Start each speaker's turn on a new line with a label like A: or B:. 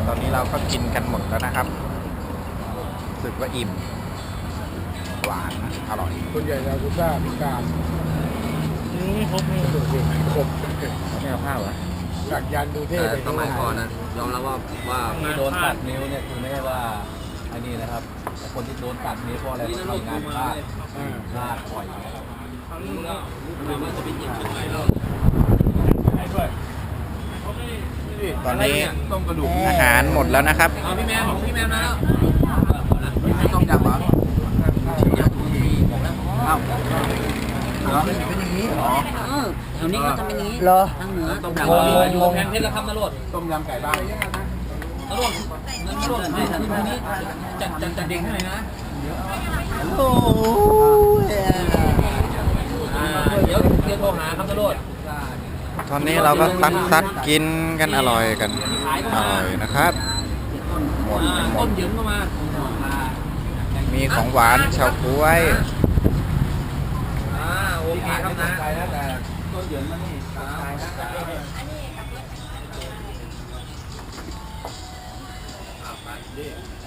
A: ตอนนี้เราก็กินกันหมดแล้วนะครับรู้สึกว่าอิ่มหวานอร่อย
B: ส่วนใหญ่ยากุซ่าพิการ
C: ไม่ครบเลย
B: ดูสิครบ
A: ไม่เอาข้าวเหรอ
B: จากยันดูเท่
D: แต่
B: ไป
D: สมัยก่อนนะยอมรับว่า
C: ที่โดนตัดนิ้วเนี่ยคือไม่ใช่ว่าไอ้นี่นะครับแต่คนที่โดนตัดนิ้วเพราะอะไรทำงานพลาดพลาดบ่อย
A: ตอนนี้
D: ต้มกระดูก
A: อาหารหมดแล้วนะครับ
D: เอาพี่แมนมาแล้วต้มยำเหรอเอ้าเหรอเป็นอย่างนี้เหรอ
E: แถวนี้ก็ทำเป็นอย่างนี้
B: เหรอ
E: ทางเหนือ
D: ต้มยำ
C: อยู่แพงเพชรแล้วครับนรด
D: ต้มยำไก่บ้าน
C: นรดให้ทางนี้จัดเด็กให้หน่อยนะ
E: โอ้ย
C: เดี๋ยวโทรหาครับนรด
A: ตอนนี้เราก็ซัดกินกันอร่อยกันอร่อยนะครับหมดกันหม
C: ต้
A: ด
C: นยืมเข้ามา
A: มีของหวานเฉาก๊วย
C: โอเคครับนะ
D: ไปนะแต่ต้นเหยินมานี่ตายนะ